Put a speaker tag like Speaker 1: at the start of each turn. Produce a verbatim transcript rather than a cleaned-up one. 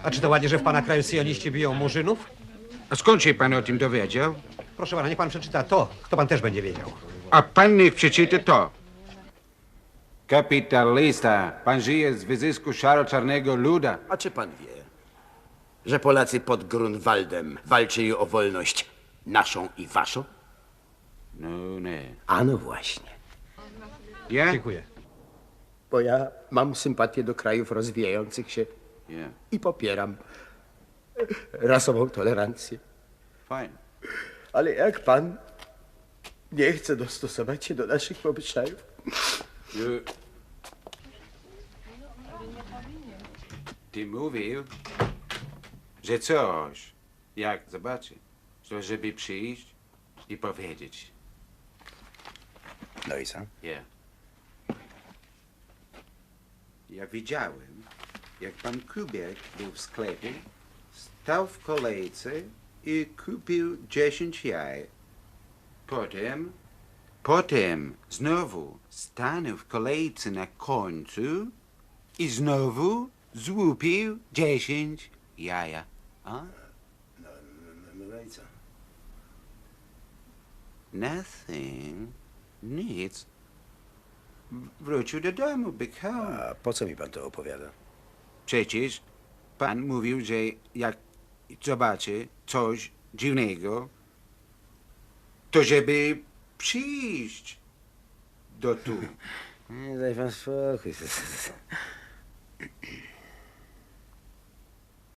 Speaker 1: A czy to ładnie, że w pana kraju syjoniści biją murzynów?
Speaker 2: A skąd się pan o tym dowiedział?
Speaker 1: Proszę pana, niech pan przeczyta to, to pan też będzie wiedział.
Speaker 2: A pan niech przeczyta to. Kapitalista, pan żyje z wyzysku szaro-czarnego luda.
Speaker 3: A czy pan wie, że Polacy pod Grunwaldem walczyli o wolność naszą i waszą?
Speaker 2: No nie.
Speaker 3: A no właśnie.
Speaker 2: Ja?
Speaker 1: Dziękuję.
Speaker 3: Bo ja mam sympatię do krajów rozwijających się
Speaker 2: Ja.
Speaker 3: i popieram rasową tolerancję.
Speaker 2: Fajnie.
Speaker 3: Ale jak pan nie chce dostosować się do naszych obyczajów,
Speaker 2: Ju- Ty mówił, że coś, jak zobaczy, to żeby przyjść i powiedzieć.
Speaker 3: no i co?
Speaker 2: Ja. Ja widziałem, jak pan Kubiak był w sklepie, stał w kolejce i kupił dziesięć jaj. Potem, potem znowu stanął w kolejce na końcu i znowu złupił dziesięć jaja. A?
Speaker 3: No, no i co?
Speaker 2: Nothing. Nic. Wrócił do domu, bykał.
Speaker 3: A po co mi pan to opowiada?
Speaker 2: Przecież pan mówił, że jak zobaczy coś dziwnego, to żeby przyjść do tu.
Speaker 3: Nie, daj pan spokój.